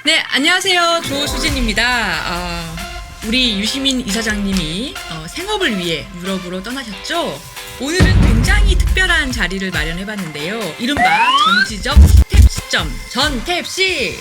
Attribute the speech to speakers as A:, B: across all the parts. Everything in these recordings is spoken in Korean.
A: 네, 안녕하세요. 조수진입니다. 우리 유시민 이사장님이 생업을 위해 유럽으로 떠나셨죠? 오늘은 굉장히 특별한 자리를 마련해봤는데요. 이른바 정치적 스텝 시점, 전탭시!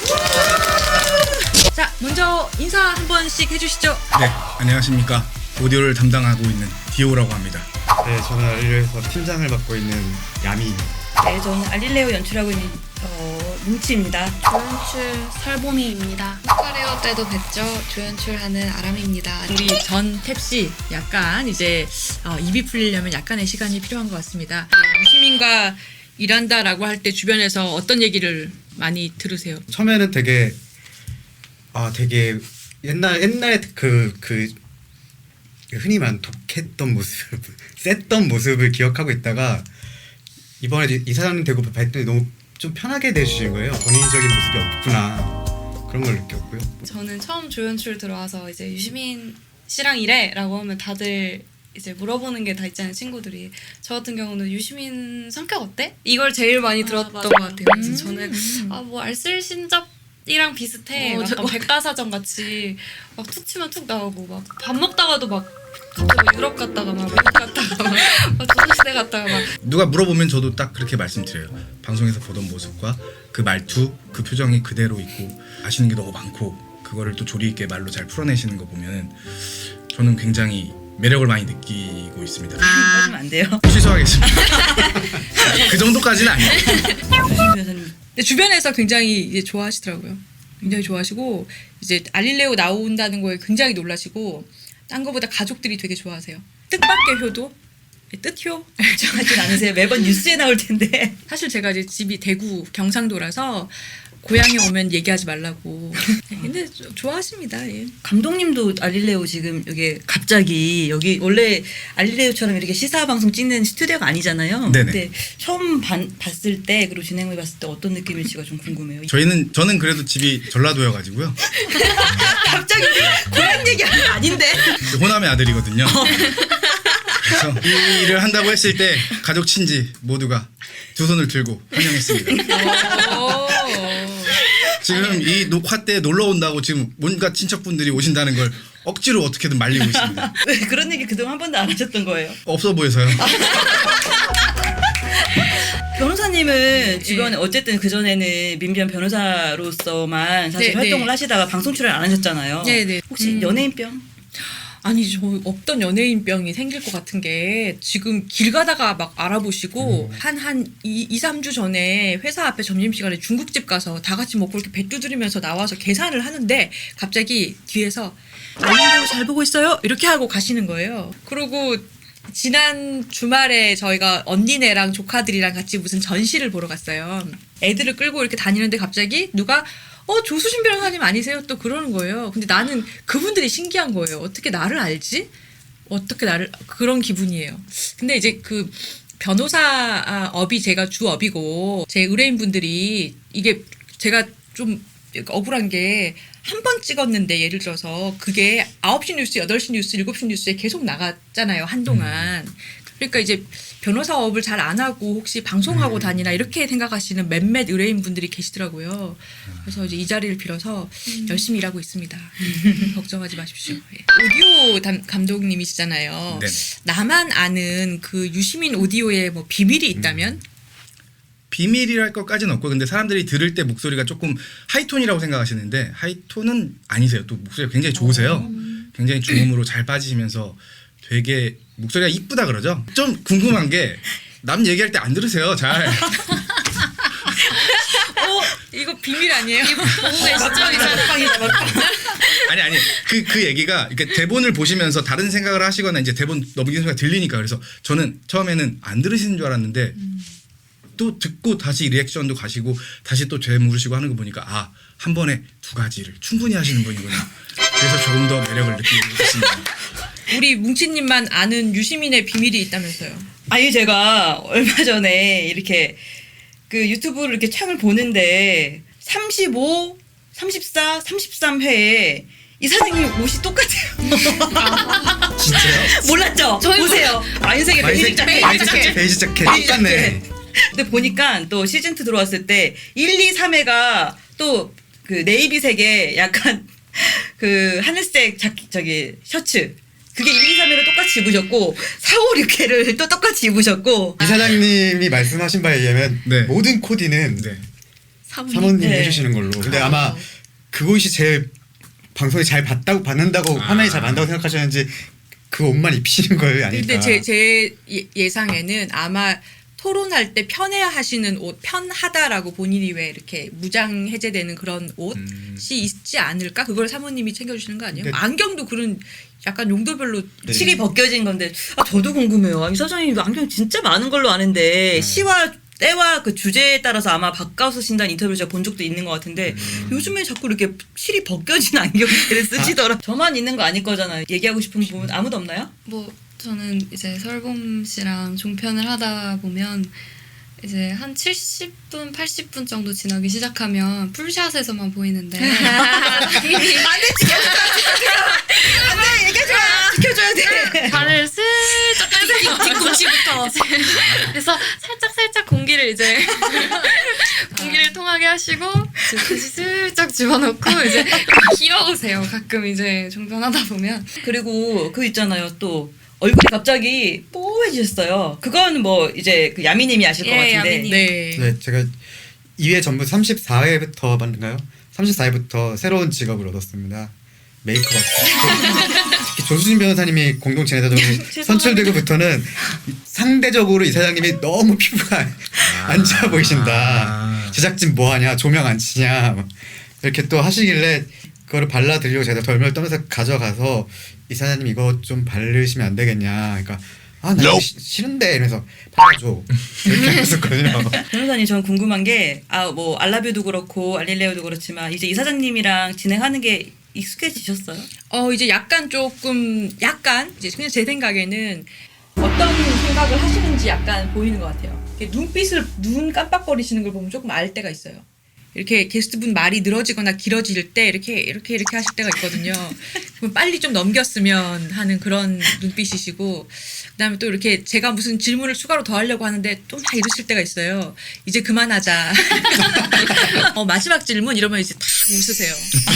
A: 자, 먼저 인사 한 번씩 해주시죠.
B: 네, 안녕하십니까. 오디오를 담당하고 있는 디오라고 합니다.
C: 네, 저는 알릴레오에서 팀장을 맡고 있는 야미입니다.
D: 네, 저는 알릴레오 연출하고 있는 뭉치입니다.
E: 조연출 설보미입니다. 흑화레어 때도 뵀죠. 조연출하는 아람입니다.
A: 우리 전탭씨 약간 이제 입이 풀리려면 약간의 시간이 필요한 것 같습니다. 유시민과 일한다라고 할 때 주변에서 어떤 얘기를 많이 들으세요?
C: 처음에는 되게 옛날에 그 흔히 말하는 독했던 모습, 셌던 모습을 기억하고 있다가 이번에 이사장님 되고 뵀더니 너무 좀 편하게 대주신 거예요. 권위적인 모습이 없구나 그런 걸 느꼈고요.
E: 저는 처음 조연출 들어와서 이제 유시민 씨랑 일해라고 하면 다들 이제 물어보는 게 다 있잖아요, 친구들이. 저 같은 경우는 유시민 성격 어때? 이걸 제일 많이 들었던 것 같아요. 그래서 저는 뭐 알쓸신잡이랑 비슷해. 약간 백과사전 같이 막 툭 치면 툭 나오고 막 밥 먹다가도 막 갑자기 유럽 갔다가 막 외국 갔다가 막 조선시대 갔다가 막
B: 누가 물어보면 저도 딱 그렇게 말씀드려요. 방송에서 보던 모습과 그 말투, 그 표정이 그대로 있고 아시는 게 너무 많고 그거를 또 조리 있게 말로 잘 풀어내시는 거 보면 저는 굉장히 매력을 많이 느끼고 있습니다.
D: 하시면 안 돼요.
B: 취소하겠습니다. 그 정도까지는 아니에요.
D: 여사님.
A: 근데 주변에서 굉장히 이제 좋아하시더라고요. 굉장히 좋아하시고 이제 알릴레오 나온다는 거에 굉장히 놀라시고 딴 거보다 가족들이 되게 좋아하세요. 뜻밖의 효도? 뜻효?
D: 걱정하진 않으세요. 매번 뉴스에 나올 텐데.
A: 사실 제가 이제 집이 대구 경상도라서 고향에 오면 얘기하지 말라고. 근데 좋아하십니다. 예.
D: 감독님도 알릴레오 지금 여기 갑자기 여기 원래 알릴레오처럼 이렇게 시사 방송 찍는 스튜디오가 아니잖아요.
B: 네네.
D: 근데 처음 봤을 때 그리고 진행을 봤을 때 어떤 느낌일지가 좀 궁금해요.
B: 저는 그래도 집이 전라도여가지고요.
D: 갑자기 고향 얘기하는 거 아닌데.
B: 호남의 아들이거든요. 그래서 이 일을 한다고 했을 때 가족 친지 모두가 두 손을 들고 환영했습니다. 지금 이 녹화 때 놀러 온다고 지금 온갖 친척분들이 오신다는 걸 억지로 어떻게든 말리고 있습니다.
D: 왜 그런 얘기 그동안 한 번도 안 하셨던 거예요?
B: 없어 보여서요.
D: 변호사님은 주변에 어쨌든 그전에는 민변 변호사로서만 사실
A: 네,
D: 활동을
A: 네.
D: 하시다가 방송 출연 안 하셨잖아요.
A: 네, 네.
D: 혹시 연예인병?
A: 아니 저 없던 연예인병이 생길 것 같은 게 지금 길 가다가 막 알아보시고 한 2-3주 전에 회사 앞에 점심시간에 중국집 가서 다 같이 먹고 이렇게 배 두드리면서 나와서 계산을 하는데 갑자기 뒤에서 알릴레오 잘 보고 있어요? 이렇게 하고 가시는 거예요. 그리고 지난 주말에 저희가 언니네랑 조카들이랑 같이 무슨 전시를 보러 갔어요. 애들을 끌고 이렇게 다니는데 갑자기 누가 조수진 변호사님 아니세요? 또 그러는 거예요. 근데 나는 그분들이 신기한 거예요. 어떻게 나를 알지? 어떻게 나를 그런 기분이에요. 근데 이제 그 변호사 업이 제가 주업이고 제 의뢰인분들이 이게 제가 좀 억울한 게 한 번 찍었는데 예를 들어서 그게 9시 뉴스, 8시 뉴스, 7시 뉴스에 계속 나갔잖아요. 한동안. 그러니까 이제 변호사업을 잘 안 하고 혹시 방송하고 다니나 이렇게 생각하시는 몇몇 의뢰인분들이 계시더라고요. 그래서 이제 이 자리를 빌어서 열심히 일하고 있습니다. 걱정하지 마십시오. 예. 오디오 감독님이시잖아요.
B: 네네.
A: 나만 아는 그 유시민 오디오에 뭐 비밀이 있다면?
B: 비밀이랄 것까지는 없고 근데 사람들이 들을 때 목소리가 조금 하이톤이라고 생각하시는데 하이톤은 아니세요. 또 목소리가 굉장히 좋으세요. 굉장히 중음으로 잘 빠지시면서 되게 목소리가 이쁘다 그러죠. 좀 궁금한 게 남 얘기할 때 안 들으세요. 잘.
A: 이거 비밀 아니에요?
B: 아니 그 얘기가 이렇게 대본을 보시면서 다른 생각을 하시거나 이제 대본 넘기는 소리가 들리니까 그래서 저는 처음에는 안 들으시는 줄 알았는데 또 듣고 다시 리액션도 가시고 다시 또 재물으시고 하는 거 보니까 한 번에 두 가지를 충분히 하시는 분이구나. 그래서 조금 더 매력을 느끼고 있습니다.
A: 우리 뭉치님만 아는 유시민의 비밀이 있다면서요?
D: 아니 제가 얼마 전에 이렇게 그 유튜브를 이렇게 창을 보는데 35, 34, 33회에 이 선생님 옷이 똑같아요.
C: 진짜요?
D: 몰랐죠? 보세요. 와인색의 베이직 자켓.
C: 베이지 자켓 똑같네.
D: 근데 보니까 또 시즌2 들어왔을 때 1, 2, 3회가 또 그 네이비색의 약간 그 하늘색 저기 셔츠. 그게 1, 2, 3회를 똑같이 입으셨고 4, 5, 6회를 또 똑같이 입으셨고
C: 이사장님이 말씀하신 바에 의하면
B: 네.
C: 모든 코디는
B: 네.
C: 사모님이
D: 네.
C: 해주시는 걸로. 근데 아마 그것이 제일 방송이 잘 받는다고 화면이 잘 받는다고 생각하셨는지 그 옷만 입히시는 거예요, 아닐까?
A: 근데 제 예상에는 아마 토론할 때 편해하시는 옷, 편하다라고 본인이 왜 이렇게 무장 해제되는 그런 옷이 있지 않을까? 그걸 사모님이 챙겨주시는 거 아니에요?
C: 근데-
A: 안경도 그런 약간 용도별로
C: 네.
D: 실이 벗겨진 건데 저도 궁금해요. 이 사장님 안경 진짜 많은 걸로 아는데 시와 때와 그 주제에 따라서 아마 바꿔 쓰신다는 인터뷰를 제가 본 적도 있는 것 같은데 요즘에 자꾸 이렇게 실이 벗겨진 안경들을 쓰시더라. 저만 있는 거 아닐 거잖아요. 얘기하고 싶은 부분 아무도 없나요?
E: 뭐 저는 이제 설봄 씨랑 종편을 하다 보면 이제 한 70분, 80분 정도 지나기 시작하면 풀샷에서만 보이는데
D: 안돼 얘기하지 마. 지켜줘야 돼.
E: 발을 슬쩍 뒤꿈치부터 그래서 살짝 공기를 이제 공기를 통하게 하시고 이제 다시 슬쩍 집어넣고 이제 귀여우세요. 가끔 이제 종편하다 보면
D: 그리고 그 있잖아요 또. 얼굴이 갑자기 뽀해지셨어요. 그건 뭐 이제 그 야미님이 아실 것
E: 예,
D: 같은데.
E: 야미님.
A: 네.
C: 네, 제가 2회 전부 34회부터 봤는가요? 34회부터 새로운 직업을 얻었습니다. 메이크업 아티스트. 특히 조수진 변호사님이 공동 진행자로 선출되고부터는 상대적으로 이 사장님이 너무 피부가 안 좋아 보이신다. 제작진 뭐하냐, 조명 안 치냐 막 이렇게 또 하시길래 그거를 발라드리려고 제가 덜덜 떨면서 가져가서 이 사장님 이거 좀 바르시면 안 되겠냐. 그러니까 나 이거 싫은데 이러면서 발라줘 이렇게 했었거든요.
D: 변호사님 저는 궁금한 게 뭐 알라뷰도 그렇고 알릴레오도 그렇지만 이제 이 사장님이랑 진행하는 게 익숙해지셨어요?
A: 이제 약간 이제 그냥 제 생각에는 어떤 생각을 하시는지 약간 보이는 것 같아요. 이렇게 눈 깜빡거리시는 걸 보면 조금 알 때가 있어요. 이렇게 게스트분 말이 늘어지거나 길어질 때 이렇게 하실 때가 있거든요. 그럼 빨리 좀 넘겼으면 하는 그런 눈빛이시고, 그다음에 또 이렇게 제가 무슨 질문을 추가로 더 하려고 하는데 또 막 이러실 때가 있어요. 이제 그만하자. 마지막 질문 이러면 이제 다 웃으세요.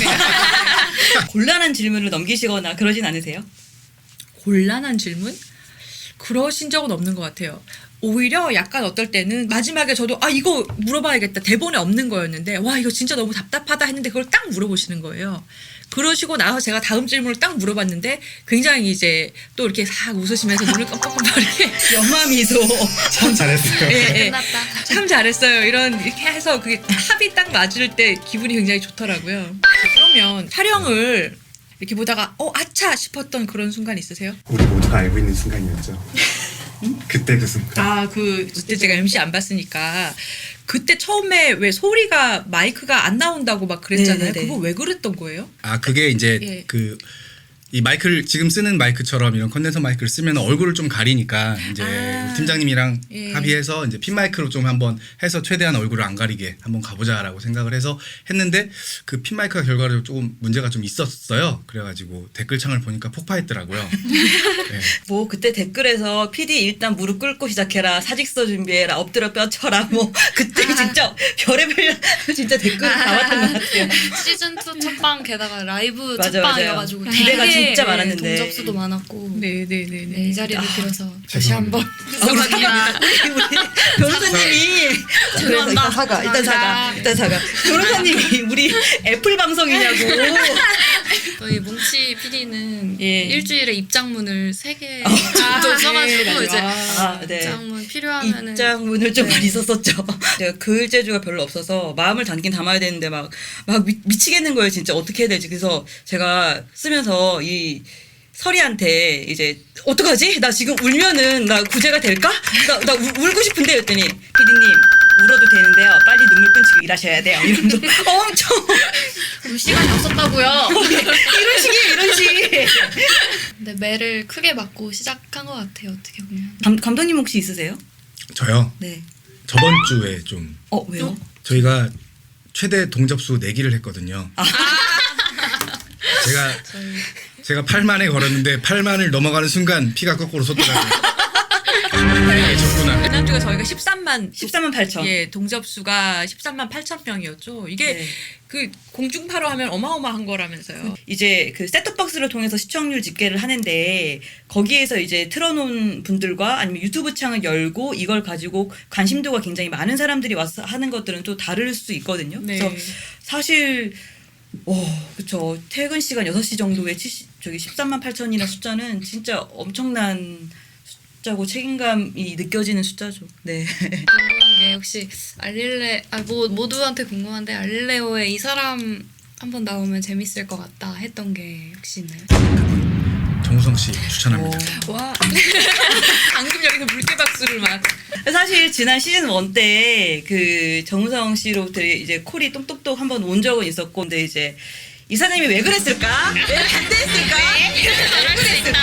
D: 곤란한 질문을 넘기시거나 그러진 않으세요?
A: 곤란한 질문? 그러신 적은 없는 것 같아요. 오히려 약간 어떨 때는 마지막에 저도 이거 물어봐야겠다. 대본에 없는 거였는데 와 이거 진짜 너무 답답하다 했는데 그걸 딱 물어보시는 거예요. 그러시고 나서 제가 다음 질문을 딱 물어봤는데 굉장히 이제 또 이렇게 싹 웃으시면서 눈을 깜빡깜빡 이렇게
D: 연마미소.
C: 참 잘했어요.
A: 예,
E: 끝났다.
A: 참 잘했어요. 이렇게 해서 그게 합이 딱 맞을 때 기분이 굉장히 좋더라고요. 그러면 촬영을 이렇게 보다가 아차 싶었던 그런 순간 있으세요?
C: 우리 모두가 알고 있는 순간이었죠. 그때 그 순간.
A: 그때 제가 MC 안 봤으니까 그때 처음에 왜 소리가 마이크가 안 나온다고 막 그랬잖아요.
D: 네네네.
A: 그거 왜 그랬던 거예요?
B: 그게 이제
A: 예.
B: 이 마이크를 지금 쓰는 마이크처럼 이런 컨덴서 마이크를 쓰면 얼굴을 좀 가리니까 이제 우리 팀장님이랑
A: 예.
B: 합의해서 이제 핀 마이크로 좀 한번 해서 최대한 얼굴을 안 가리게 한번 가보자라고 생각을 해서 했는데 그 핀 마이크가 결과적으로 조금 문제가 좀 있었어요. 그래가지고 댓글창을 보니까 폭파했더라고요. 네.
D: 뭐 그때 댓글에서 PD 일단 무릎 꿇고 시작해라. 사직서 준비해라. 엎드려 뼈쳐라. 뭐 그때 진짜 별의별 진짜 댓글 다 왔던 것 같아요.
E: 시즌 2 첫방 게다가 라이브
D: 맞아,
E: 첫방이어가지고
D: 맞아요. 기대가
E: 되게,
D: 진짜 많았는데.
E: 동접수도 많았고
A: 네네네네.
E: 네, 이 자리를 빌어서 다시
C: 죄송합니다.
E: 한번
D: 우리
E: 죄송합니다.
D: 변호사님이 그래서 이따 사과. 변호사님이 우리 애플 방송이냐고.
E: 저희 뭉치 PD는
D: 예.
E: 일주일에 입장문을 3개 정도 써가지고 이제
D: 네.
E: 입장문 필요하면은
D: 입장문을 좀
E: 네.
D: 많이 썼었죠. 제가 글 재주가 별로 없어서 마음을 담긴 담아야 되는데 막 미치겠는 거예요. 진짜 어떻게 해야 될지. 그래서 제가 쓰면서 이 설이한테 이제 어떡하지? 나 지금 울면은 나 구제가 될까? 나 울고 싶은데 했더니 피디님 울어도 되는데요. 빨리 눈물 끊치고 일하셔야 돼요. 이러면서 엄청
E: 울 시간이 없었다고요.
D: 이런 식.
E: 근데 매를 크게 맞고 시작한 것 같아요. 어떻게 보면.
D: 감독님 혹시 있으세요?
B: 저요.
D: 네.
B: 저번 주에 좀
D: 왜요?
B: 저희가 최대 동접수 내기를 했거든요. 제가 8만에 걸었는데 8만을 넘어가는 순간 피가 거꾸로 솟더라고요. 계셨구나.
A: 지난주가 저희가 13만
D: 8천.
A: 예, 동접수가 13만 8천 명이었죠. 이게
D: 네.
A: 그 공중파로 하면 어마어마한 거라면서요.
D: 이제 그 셋톱박스를 통해서 시청률 집계를 하는데 거기에서 이제 틀어놓은 분들과 아니면 유튜브 창을 열고 이걸 가지고 관심도가 굉장히 많은 사람들이 와서 하는 것들은 또 다를 수 있거든요.
A: 네.
D: 그래서 사실 그쵸. 퇴근 시간 6시 정도에 13만 8천이나 숫자는 진짜 엄청난 숫자고 책임감이 느껴지는 숫자죠. 네.
E: 궁금한 게 혹시 모두한테 궁금한데 알릴레오에 이 사람 한번 나오면 재밌을 것 같다 했던 게 혹시 있나요?
B: 정우성 씨 추천합니다.
A: 와. 방금 여기서 물개 박수를 막.
D: 사실 지난 시즌 1 때 그 정우성 씨로부터 이제 콜이 똑똑똑 한번 온 적은 있었고, 근데 이제 이사장님이 왜 그랬을까? 왜 반대했을까? 왜 그랬을까?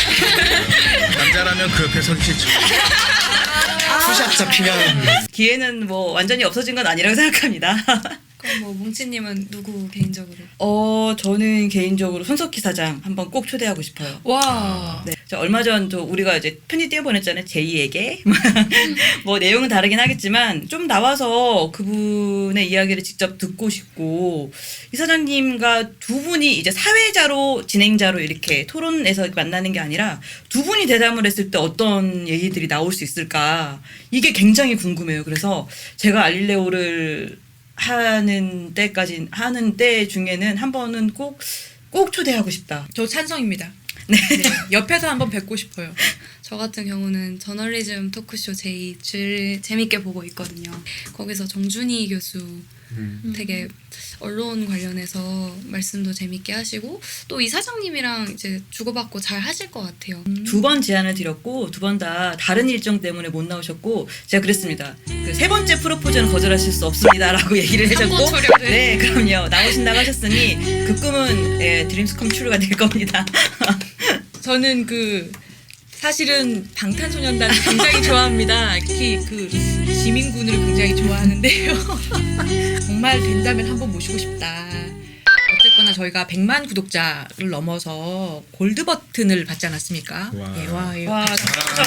B: 남자라면 그 옆에 서기 싫죠.
C: 투샷 잡히면
D: 기회는 뭐 완전히 없어진 건 아니라고 생각합니다.
E: 그럼 뭐 뭉치님은 누구 개인적으로?
D: 저는 개인적으로 손석희 사장 한번 꼭 초대하고 싶어요.
A: 와.
D: 네, 저 얼마 전 또 우리가 이제 편지 띄워보냈잖아요. 제이에게. 뭐 내용은 다르긴 하겠지만 좀 나와서 그분의 이야기를 직접 듣고 싶고, 이 사장님과 두 분이 이제 사회자로 진행자로 이렇게 토론에서 만나는 게 아니라 두 분이 대담을 했을 때 어떤 얘기들이 나올 수 있을까, 이게 굉장히 궁금해요. 그래서 제가 알릴레오를 하는 때 중에는 한 번은 꼭 초대하고 싶다.
A: 저 찬성입니다. 네. 옆에서 한번 뵙고 싶어요.
E: 저 같은 경우는 저널리즘 토크쇼 제이 제일 재밌게 보고 있거든요. 거기서 정준희 교수 되게 언론 관련해서 말씀도 재밌게 하시고 또 이 사장님이랑 이제 주고받고 잘 하실 것 같아요.
D: 2번 제안을 드렸고 2번 다 다른 일정 때문에 못 나오셨고, 제가 그랬습니다. 그 3번째 프로포즈는 거절하실 수 없습니다라고 얘기를 해줬고,
E: 한번 초려를.
D: 네, 그럼요. 나오신다고 하셨으니 그 꿈은 드림스 컴 트루가 될 겁니다.
A: 저는 사실은 방탄소년단을 굉장히 좋아합니다. 특히 지민군을 굉장히 좋아하는데요. 정말 된다면 한번 모시고 싶다. 어쨌거나 저희가 100만 구독자를 넘어서 골드 버튼을 받지 않았습니까?
B: 와.
A: 예,
D: 와, 진짜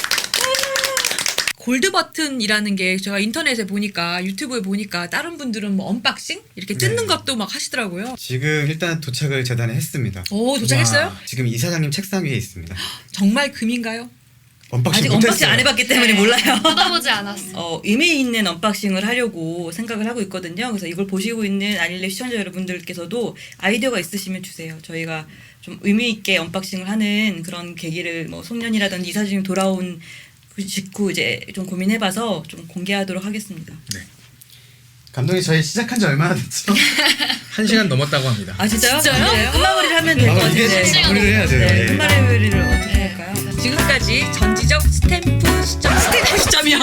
A: 골드 버튼이라는 게 제가 인터넷에 보니까, 유튜브에 보니까 다른 분들은 뭐 언박싱 이렇게 뜯는
C: 네.
A: 것도 막 하시더라고요.
C: 지금 일단 도착을 재단에 했습니다.
A: 오, 도착했어요?
C: 와, 지금 이사장님 책상 위에 있습니다.
A: 정말 금인가요?
C: 언박싱
D: 아직
C: 못했어요.
D: 언박싱 안 해봤기 때문에 몰라요.
E: 받아보지 않았어.
D: 의미 있는 언박싱을 하려고 생각을 하고 있거든요. 그래서 이걸 보시고 있는 알릴레 시청자 여러분들께서도 아이디어가 있으시면 주세요. 저희가 좀 의미 있게 언박싱을 하는 그런 계기를 뭐 송년이라든지 이사장님 돌아온 그 직후 이제 좀 고민해봐서 좀 공개하도록 하겠습니다.
B: 네.
C: 감독님 저희 시작한 지 얼마나 됐죠?
B: 1시간 넘었다고 합니다.
D: 아 진짜요?
A: 진짜요?
D: 네, 끝마무리를 하면 될 것
C: 아, 이게
D: 같은데.
C: 마무리를 해야 돼요.
D: 네,
C: 예.
D: 끝마무리를 어떻게 할까요?
A: 지금까지 전지적 스탬프 시점이요.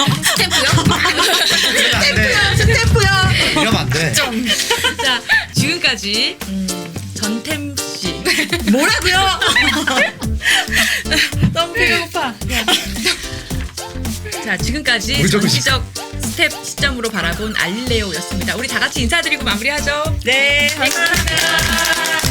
D: 스탬프요.
C: 이러면 안 돼.
A: 자, 지금까지 전템 씨.
D: 뭐라고요?
A: 너무 배가 고파. 자, 지금까지
C: 물 적으시죠.
A: 전지적 스텝 시점으로 바라본 알릴레오였습니다. 우리 다 같이 인사드리고 마무리하죠.
D: 네, 감사합니다.